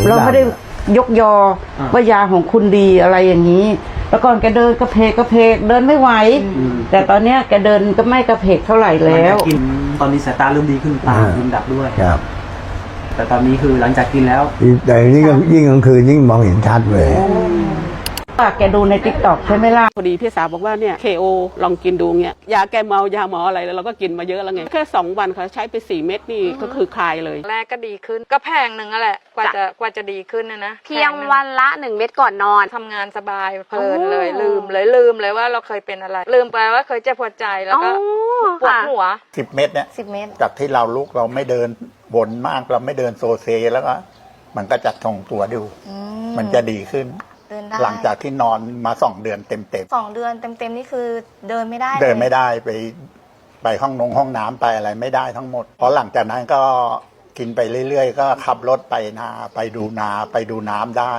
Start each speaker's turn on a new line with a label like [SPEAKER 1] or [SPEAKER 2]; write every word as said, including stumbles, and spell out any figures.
[SPEAKER 1] เราไม่ได้ยกยอว่ายาของคุณดีอะไรอย่างนี้แล้วก่อนแกเดินกระเพกกระเพกเดินไม่ไหวแต่ตอนเนี้ยแกเดินก็ไม่กระเพกเท่าไหร่แล้ว
[SPEAKER 2] กินตอนนี้สายตาเริ่มดีขึ้นตาเริ่มดับด้วย
[SPEAKER 3] ครับ
[SPEAKER 2] แต่ตอนนี้คือหลังจากกินแล้ว
[SPEAKER 3] แต่นี่ก็ยิ่งกลางคืนยิ่งมองเห็นชัดเลย
[SPEAKER 1] แกดูในติ๊กต็อกใช่ไหมล่ะ
[SPEAKER 4] พอดีพี่สาวบอกว่าเนี่ย เค โอ ลองกินดูเงี้ยยาแก้เมายาหมออะไรแล้วเราก็กินมาเยอะแล้วไงแค่สองวันเขาใช้ไปสี่เม็ดนี่ก็คือคลายเลย
[SPEAKER 5] แรกก็ดีขึ้นก็แพงหนึ่งนั่นแหละกว่าจะกว่าจะดีขึ้นนะนะ
[SPEAKER 6] เพียงวันละหนึ่งเม็ดก่อนนอน
[SPEAKER 5] ทำงานสบายเพลินเลยลืมเลยลืมเลยว่าเราเคยเป็นอะไรลืมไปว่าเคยเจ็บปวดใจแล้วก็ปวดหัว
[SPEAKER 7] สิบเม็ดเนี่ย
[SPEAKER 6] สิบเม็ด
[SPEAKER 7] จากที่เราลุกเราไม่เดินบนมากเราไม่เดินโซเซแล้วก็มันก็จะทรงตัวดูมันจะดีขึ้นหลังจากที่นอนมาสองเดือนเต็มเต็ม
[SPEAKER 6] สองเดือนเต็มเต็มนี่คือเดินไม่ได้
[SPEAKER 7] เดินไม่ได้ไปไปห้องนงห้องน้ำไปอะไรไม่ได้ทั้งหมดเพราะหลังจากนั้นก็กินไปเรื่อยๆก็ขับรถไปนาไปดูนาไปดูน้ำได้